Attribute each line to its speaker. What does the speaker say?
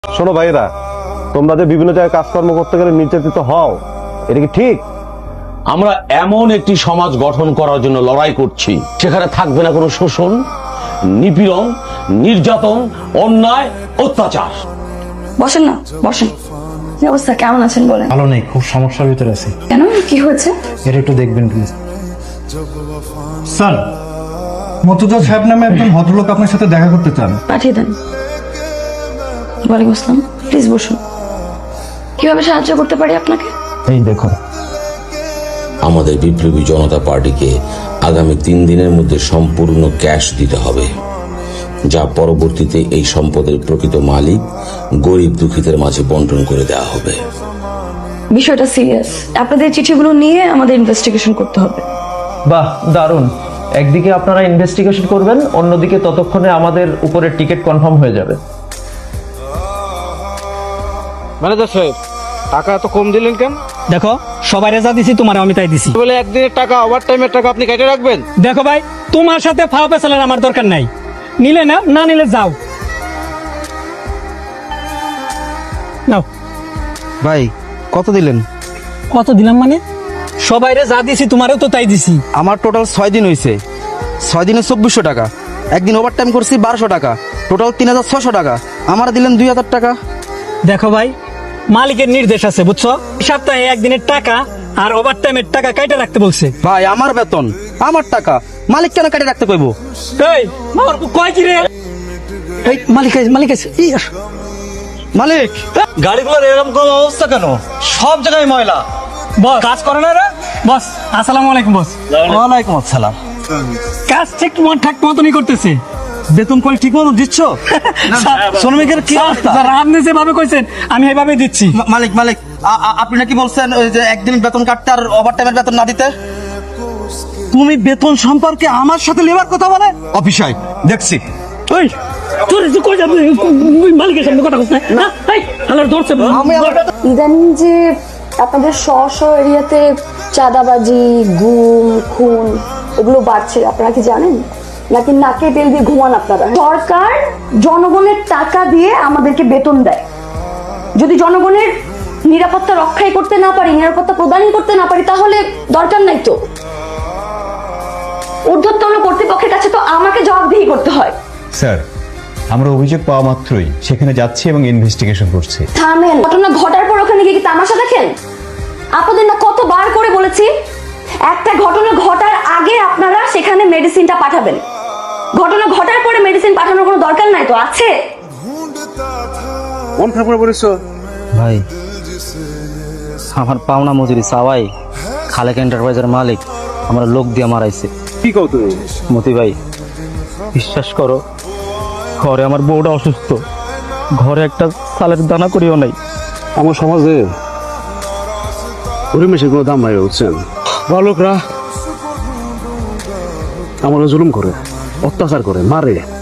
Speaker 1: শোনো ভাইরা, তোমরা যে বিভিন্ন জায়গায় কাজকর্ম করতে গেলে নির্যাতিত হও, এটা কি ঠিক?
Speaker 2: আমরা এমন একটি সমাজ গঠন করার জন্য লড়াই করছি সেখানে থাকবে না কোনো শোষণ, নিপীড়ন, নির্যাতন, অন্যায়, অত্যাচার।
Speaker 3: বসেন না, বসেন। কি অবস্থা, কেমন আছেন বলেন?
Speaker 4: ভালো নেই, খুব সমস্যার ভিতরে আছি।
Speaker 3: কেন, কি হয়েছে?
Speaker 4: এটা একটু দেখবেন প্লিজ। স্যার, মর্তুজা সাহেব নামে একজন ভদ্রলোক আপনার সাথে দেখা করতে চান।
Speaker 3: পাঠিয়ে দেন। ওয়ালাইকুম আসসালাম, প্লিজ বসুন। কিভাবে সাহায্য করতে পারি আপনাকে?
Speaker 4: এই দেখুন,
Speaker 2: আমাদের বিপ্লবী জনতা পার্টিকে আগামী 3 দিনের মধ্যে সম্পূর্ণ ক্যাশ দিতে হবে, যা পরবর্তীতে এই সম্পদের প্রকৃত মালিক গরিব দুঃখীদের মাঝে বন্টন করে দেওয়া হবে।
Speaker 3: বিষয়টা সিরিয়াস। আপনাদের চিঠিগুলো নিয়ে আমাদের ইনভেস্টিগেশন করতে হবে।
Speaker 5: বাহ, দারুণ। একদিকে আপনারা ইনভেস্টিগেশন করবেন, অন্যদিকে ততক্ষণে আমাদের উপরে টিকিট কনফার্ম হয়ে যাবে।
Speaker 6: ম্যানেজার সাহেব, টাকা এত কম দিলেন কেন?
Speaker 7: দেখো, সবাই যা দিছি তোমার আমি তাই দিছি।
Speaker 6: বলে একদিনের টাকা, ওভার টাইমের টাকা আপনি কেটে রাখবেন?
Speaker 7: দেখো ভাই, তোমার সাথে ফাও পেছালের আমার দরকার নাই। নিলে না, না নিলে যাও। নাও।
Speaker 8: ভাই কত দিলেন?
Speaker 7: কত দিলাম মানে? সবাই যা দিছি তোমারও তো তাই দিছি।
Speaker 8: আমার টোটাল 6 দিন হয়েছে। 6 দিনে 2400 টাকা। একদিন ওভার টাইম করছি 1200 টাকা, টোটাল 3600 টাকা। আমার দিলেন 2000 টাকা।
Speaker 7: দেখো ভাই, মালিকের নির্দেশ আছে বুঝছো, সপ্তাহে একদিনের টাকা আর ওভার টাইমের টাকা কাইটা রাখতে বলছে।
Speaker 8: ভাই আমার বেতন, আমার টাকা, মালিক কেন কেটে রাখতে কইবো?
Speaker 7: এই আমার কয় কি রে? এই মালিক আছে, মালিক আছে।
Speaker 8: মালিক,
Speaker 4: গাড়িগুলোর এরকম কোন অবস্থা কেন? সব জায়গায় ময়লা।
Speaker 7: বস কাজ করে না রে? বস আসসালামু আলাইকুম। বস
Speaker 4: ওয়ালাইকুম আসসালাম।
Speaker 7: কাজ ঠিক মতনই করতেছে।
Speaker 4: বেতন করে ঠিক মতো দিচ্ছ? শ্রমিকের কি অবস্থা?
Speaker 7: আপনি যেভাবে কইছেন আমি এইভাবেই দিচ্ছি।
Speaker 8: মালিক মালিক আপনি নাকি বলছেন ওই যে একদিন বেতন কাটতে আর ওভার টাইমের বেতন না দিতে?
Speaker 4: তুমি বেতন সম্পর্কে আমার সাথে লেবার কথা বলে? অফিসাই দেখছি।
Speaker 7: ওই তোর যে কই যাবে মালিকের সামনে কথা কইছ না? এই হালার ধরছে।
Speaker 3: ইদানিং যে আপনাদের স্ব এরিয়াতে চাঁদাবাজি, গুম, খুন এগুলো বাড়ছে, আপনারা কি জানেন? নাকি নাকে তেল দিয়ে ঘুমান আপনারা? সরকার জনগণের টাকা দিয়ে আমাদেরকে বেতন দেয়। যদি জনগণের নিরাপত্তা রক্ষাই করতে না পারি, নিরাপত্তা প্রদানই করতে না পারি, তাহলে দরকার নাই তো। ঊর্ধ্বতন কর্তৃপক্ষের কাছে তো আমাকে জবাবদিহি করতে হয়।
Speaker 9: স্যার, আমরা অভিযোগ পাওয়া মাত্রই সেখানে যাচ্ছি এবং ইনভেস্টিগেশন করছি।
Speaker 3: থামেন, ঘটনা ঘটার পর ওখানে গিয়ে কি তামাশা দেখেন? আপনাদের না কতবার করে বলেছি, একটা ঘটনা ঘটার আগে আপনারা সেখানে মেডিসিনটা পাঠাবেন। ঘটনা ঘটার পরে মেডিসিন পাঠানোর কোনো দরকার নাই তো আছে?
Speaker 6: মন খারাপ করে পড়েছ?
Speaker 8: ভাই আমার পাওনা মজুরি চাওয়াই খালেক এন্টারপ্রাইজের মালিক আমার লোক দিয়ে মারাইছে।
Speaker 6: কি কও তুমি?
Speaker 8: মতি ভাই, বিশ্বাস করো, ঘরে আমার বউটা অসুস্থ, ঘরে একটা চালের দানা করিও নাই।
Speaker 6: আমার সমাজে পরিবেশের কোনো দাম নাই, বুঝছেন? বালকরা আমার জুলুম করে, অত্যাচার করে, মারে।